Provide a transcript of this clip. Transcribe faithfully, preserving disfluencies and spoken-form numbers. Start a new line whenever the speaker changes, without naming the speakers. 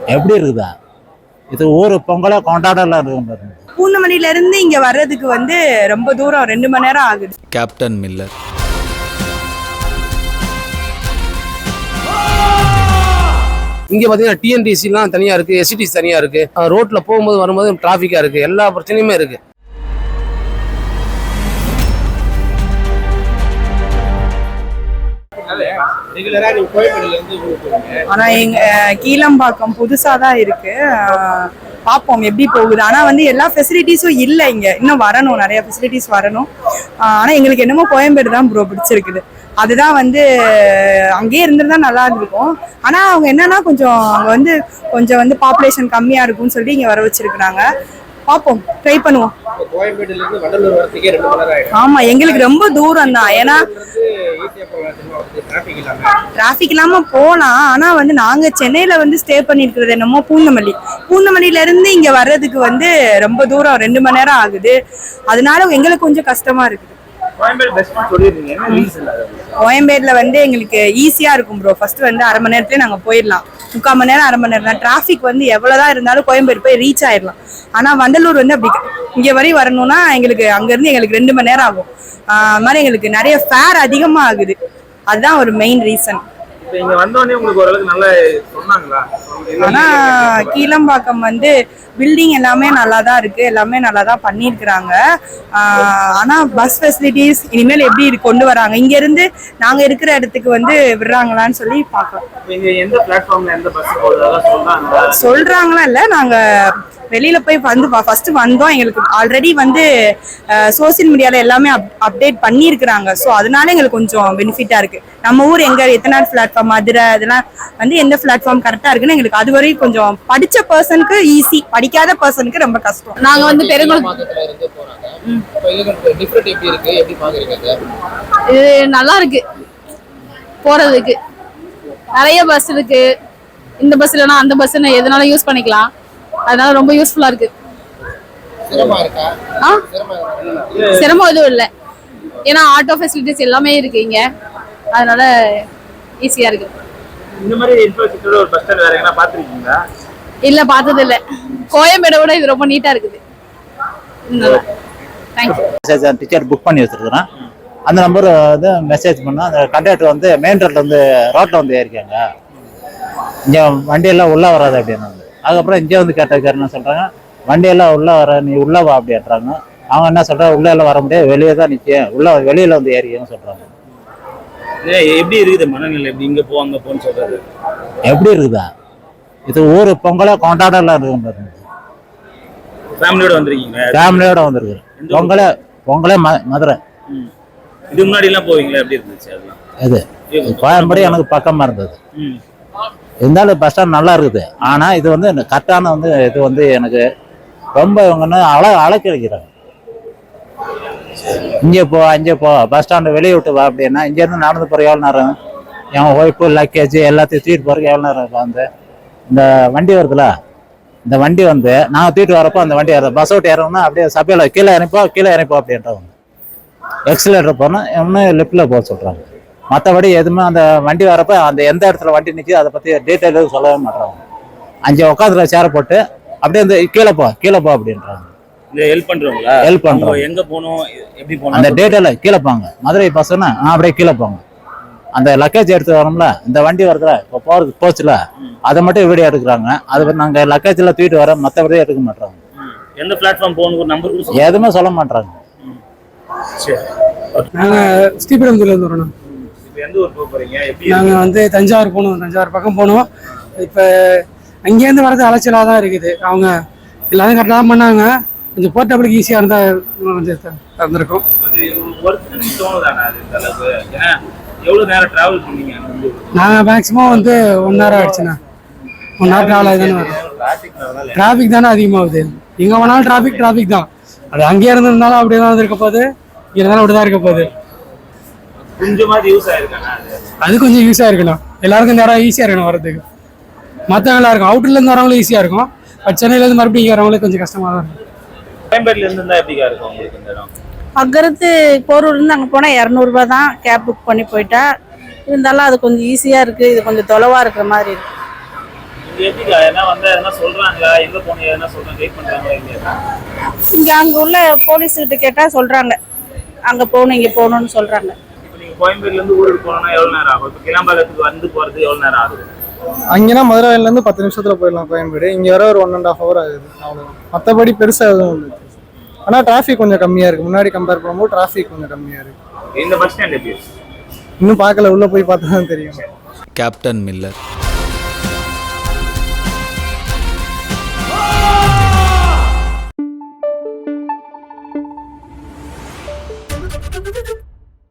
எப்படி இருக்குதா? இது ஊர் பொங்கலை கொண்டாடலாம் இருக்கு.
பூந்தமல்லியில இருந்து இங்க வர்றதுக்கு வந்து ரொம்ப தூரம், ரெண்டு மணி நேரம் ஆகுது.
Captain Miller.
இங்க பாத்தீங்கன்னா டிஎன்டிசிலாம் தனியா இருக்கு, எஸ்சிடிசி தனியா இருக்கு. ரோட்ல போகும்போது வரும்போது டிராபிக்கா இருக்கு, எல்லா பிரச்சனையுமே இருக்கு.
ஆனா எங்க கீழம்பாக்கம் புதுசாதான் இருக்கு, பார்ப்போம் எப்படி போகுது. ஆனா வந்து எல்லா ஃபெசிலிட்டிஸும் இல்லை இங்க, இன்னும் வரணும், நிறைய ஃபெசிலிட்டிஸ் வரணும். ஆனா எங்களுக்கு என்னமோ கோயம்பேடு தான் ப்ரோ பிடிச்சிருக்குது. அதுதான் வந்து அங்கேயே இருந்திருந்தா நல்லா இருந்திருக்கும். ஆனா அவங்க என்னன்னா கொஞ்சம் அங்க வந்து கொஞ்சம் வந்து பாப்புலேஷன் கம்மியா இருக்கும்னு சொல்லி இங்க வர வச்சிருக்காங்க. பார்ப்போம், ட்ரை பண்ணுவோம். ஆமா, எங்களுக்கு ரொம்ப தூரம் தான். ஏன்னா டிராபிக் இல்லாம போலாம். ஆனா வந்து நாங்க சென்னையில வந்து ஸ்டே பண்ணிருக்கிறது என்னமோ பூந்தமல்லி. பூந்தமல்லியில இருந்து இங்க வர்றதுக்கு வந்து ரொம்ப தூரம், ரெண்டு மணி நேரம் ஆகுது. அதனால எங்களுக்கு கொஞ்சம் கஷ்டமா இருக்குது. கோயம்பேடுல வந்து எங்களுக்கு ஈஸியா இருக்கும் ப்ரோ. ஃபர்ஸ்ட் வந்து அரை மணி நேரத்துல நாங்க போயிடலாம், முக்கால் மணி நேரம் அரை மணி நேரம் தான். டிராபிக் வந்து எவ்வளவுதான் இருந்தாலும் கோயம்பேடு போய் ரீச் ஆயிடலாம். ஆனா வண்டலூர் வந்து அப்படி இங்க வரையும் வரணும்னா எங்களுக்கு அங்க இருந்து எங்களுக்கு ரெண்டு மணி நேரம் ஆகும். அது மாதிரி எங்களுக்கு நிறைய ஃபேர் அதிகமா ஆகுது. அதுதான் ஒரு மெயின் ரீசன். ஆனா கீழம்பாக்கம் வந்து பில்டிங் எல்லாமே நல்லா தான் இருக்கு, எல்லாமே நல்லா தான் பண்ணிருக்கிறாங்க. ஆனா பஸ் ஃபெசிலிட்டிஸ் இனிமேல் எப்படி கொண்டு வராங்க, இங்க இருந்து நாங்க இருக்கிற இடத்துக்கு வந்து விடுறாங்களான்னு சொல்லி பாக்கலாம். சொல்றாங்களா இல்ல, நாங்க வெளியில போய் வந்து ஃபர்ஸ்ட் வந்தோம். எங்களுக்கு ஆல்ரெடி வந்து சோசியல் மீடியால எல்லாமே அப்டேட் பண்ணியிருக்கிறாங்க. ஸோ அதனால எங்களுக்கு கொஞ்சம் பெனிஃபிட்டா இருக்கு. நம்ம ஊர் எங்க எத்தனை பிளாட்ஃபார்ம், மதுரை அதெல்லாம் வந்து எந்த பிளாட்ஃபார்ம் கரெக்டா இருக்குன்னு எங்களுக்கு அது வரையும் கொஞ்சம் படிச்ச பர்சனுக்கு ஈஸி, படிக்காத பர்சனுக்கு ரொம்ப கஷ்டம். நாங்க வந்து பெருங்குளம்
இது நல்லா இருக்கு போறதுக்கு. நிறைய பஸ் இருக்கு, இந்த பஸ் இல்லைன்னா அந்த பஸ் எதனால யூஸ் பண்ணிக்கலாம். அதனால ரொம்ப யூஸ்ஃபுல்லா இருக்கு. சிரமம் எதுவும் இல்லை, ஏன்னா ஆட்டோ ஃபெசிலிட்டிஸ் எல்லாமே இருக்கு இங்க. அதனால ஈஸியா இருக்கு.
இந்த மாதிரி இன்ஃப்ராஸ்ட்ரக்சர் ஒரு பஸ் ஸ்டாண்ட் வேற எங்கனா பாத்துருக்கீங்களா?
இல்ல, பார்த்தது இல்ல. கோயம்பேடை விட இது ரொம்ப நீட்டா இருக்குது.
தேங்க்யூ. டிக்கெட் புக் பண்ணி வச்சிருக்கிறேன். அந்த நம்பர் வந்து மெசேஜ் பண்ணா அந்த கண்டக்டர் வந்து மெயின் ரோட்ல வந்து ரோட்ல வந்து ஏறிக்காங்க, இங்க வண்டியெல்லாம் உள்ள வராது அப்படின்னு. அதுக்கப்புறம் இங்கே வந்து கேட்ட என்ன சொல்றாங்க, வண்டியெல்லாம் உள்ள வர, நீ உள்ள வா அப்படின்றாங்க. அவங்க என்ன சொல்றாங்க, உள்ள எல்லாம் வர முடியாது, வெளியே தான் நிற்கும், உள்ள வெளியில வந்து ஏறிக்கன்னு சொல்றாங்க.
எப்படி இருக்குது மனநிலை? எப்படி இங்க போ அங்க போன்னு சொல்றது
எப்படி இருக்குதா? இது ஊர் பொங்கலை கொண்டாடலாம் இருக்கு.
ஃபேமிலியோட வந்திருக்கீங்க? ஃபேமிலியோட
வந்திருக்கு. பொங்கலை பொங்கலே மதுரை.
இது முன்னாடி எல்லாம் போவீங்களா? எப்படி இருந்துச்சு அதெல்லாம்?
இது கோயம்பேடு எனக்கு பக்கமா இருந்தது. இருந்தாலும் பஸ் ஸ்டாண்ட் நல்லா இருக்குது. ஆனா இது வந்து கரெக்டான வந்து இது வந்து எனக்கு ரொம்ப இவங்க அழ அழைக்கிறாங்க. இங்கே போ அங்கே போ, பஸ் ஸ்டாண்டு வெளியே விட்டு வா அப்படின்னா இங்கேருந்து நடந்து போகிற எவ்வளோ நேரம், என் ஒய்ஃபு லக்கேஜ் எல்லாத்தையும் தூக்கிட்டு போகிறதுக்கு எவ்வளோ நேரம் இருக்கும். வந்து இந்த வண்டி வருதுல, இந்த வண்டி வந்து நாங்கள் தூக்கிட்டு வரப்போ அந்த வண்டி ஏற பஸ் விட்டு ஏறோம்னா அப்படியே சபையில் கீழே இறப்போ கீழே இறப்போம் அப்படின்றவங்க எக்ஸிலேட்டர் போனால் இன்னும் லெஃப்டில் போக சொல்கிறாங்க. மற்றபடி எதுவுமே அந்த வண்டி வரப்போ அந்த எந்த இடத்துல வண்டி நிற்கிது அதை பற்றி டீட்டெயில் எதுவும் சொல்லவே மாட்டாங்க. அஞ்சு உட்காந்துல சேர போட்டு அப்படியே இந்த கீழே போ கீழே போ அப்படின்றாங்க.
ஹெல்ப் பண்றவங்களா?
ஹெல்ப் பண்றோம்.
எங்க போகணும், எப்படி போகணும்,
அந்த டீட்டெயில் கீழே போங்க. மதுரை பஸ்ஸுன்னா அப்படியே கீழே போங்க. அந்த லக்கேஜ் எடுத்து வரோம்ல, இந்த வண்டி வருதுல இப்போ போறது போச்சுல, அதை மட்டும் வீடியோ எடுக்கிறாங்க. அது நாங்கள் லக்கேஜ்ல தூக்கிட்டு வரோம், மற்றபடியே எடுக்க மாட்டாங்க.
எந்த பிளாட்ஃபார்ம் போகணும் நம்பர்
எதுவுமே சொல்ல மாட்டாங்க.
நாங்கள் ஸ்ரீபெரும்புதூர்லேருந்து வரணும். நாங்கள் வந்து தஞ்சாவூர் போகணும், தஞ்சாவூர் பக்கம் போகணும். இப்போ அங்கேருந்து வரது அலைச்சலாக தான் இருக்குது. அவங்க எல்லாரும் கரெக்டாக தான் பண்ணாங்க. கொஞ்சம் போர்ட்டபிளுக்கு ஈஸியாக இருந்தால் கொஞ்சம் இருந்திருக்கும். நாங்கள் மேக்ஸிமம் வந்து ஒன் ஹவர் ஆகிடுச்சுண்ணா. ஒன் ஹவர் ட்ராவல் ஆகி தானே வரும். டிராஃபிக் தானே அதிகமாகுது. எங்கே போனாலும் டிராஃபிக் டிராஃபிக் தான். அது அங்கேயே இருந்திருந்தாலும் அப்படியே தான் இருக்க போகுது, இருந்தாலும் அப்படி தான் இருக்க போகுது. அது கொஞ்சம் யூஸ் ஆயிருக்கணும். எல்லாருக்கும் இந்த இடம் ஈஸியாக இருக்கணும் வரதுக்கு. மற்றவங்க எல்லாம் இருக்கும், அவுட்டர்லேருந்து வரவங்களும் ஈஸியாக இருக்கும். பட் சென்னையிலேருந்து மறுபடியும் இங்கே வரவங்களுக்கு கொஞ்சம் கஷ்டமாக தான் இருக்கும்.
அங்கிருந்து போரூர்லேருந்து அங்கே போனால் இரநூறுபா தான் கேப் புக் பண்ணி போயிட்டா. இருந்தாலும் அது கொஞ்சம் ஈஸியாக இருக்குது. இது கொஞ்சம் தொலைவாக இருக்கிற மாதிரி இருக்குது.
எப்படிக்கா என்ன வந்தா எதனா சொல்றாங்களா, எங்க போனீங்க எதனா சொல்றாங்க, வெயிட் பண்றாங்களா இல்லையா?
இங்க அங்க உள்ள போலீஸ் கிட்ட கேட்டா சொல்றாங்க அங்க போகணும் இங்க போகணும்னு சொல்றாங்க.
இப்போ நீங்க கோயம்பேடுல இருந்து ஊருக்கு போனோம்னா எவ்வளவு நேரம் ஆகும்? இப்போ கிளாம்பாக்கத்துக்கு வந்து போறதுக்கு எவ்வளவு நேரம் ஆகுது?
அங்கேனா மதுரையில இருந்து பத்து நிமிஷத்துல போயிடலாம் கோயம்பேடு. இங்க வர ஒரு ஒன் அண்ட் ஹாஃப் ஹவர் ஆகுது அவ்வளவுதான். மற்றபடி பெருசா எதுவும் இல்லை. ஆனா டிராஃபிக் கொஞ்சம் கம்மியா இருக்கு. முன்னாடி கம்பேர் பண்ணும்போது டிராஃபிக் கொஞ்சம் கம்மியா இருக்கு.
இந்த பஸ் ஸ்டாண்ட் எப்படி இருக்கு?
இன்னும் பார்க்கல, உள்ள போய் பார்த்தா தான் தெரியும்.
Captain Miller.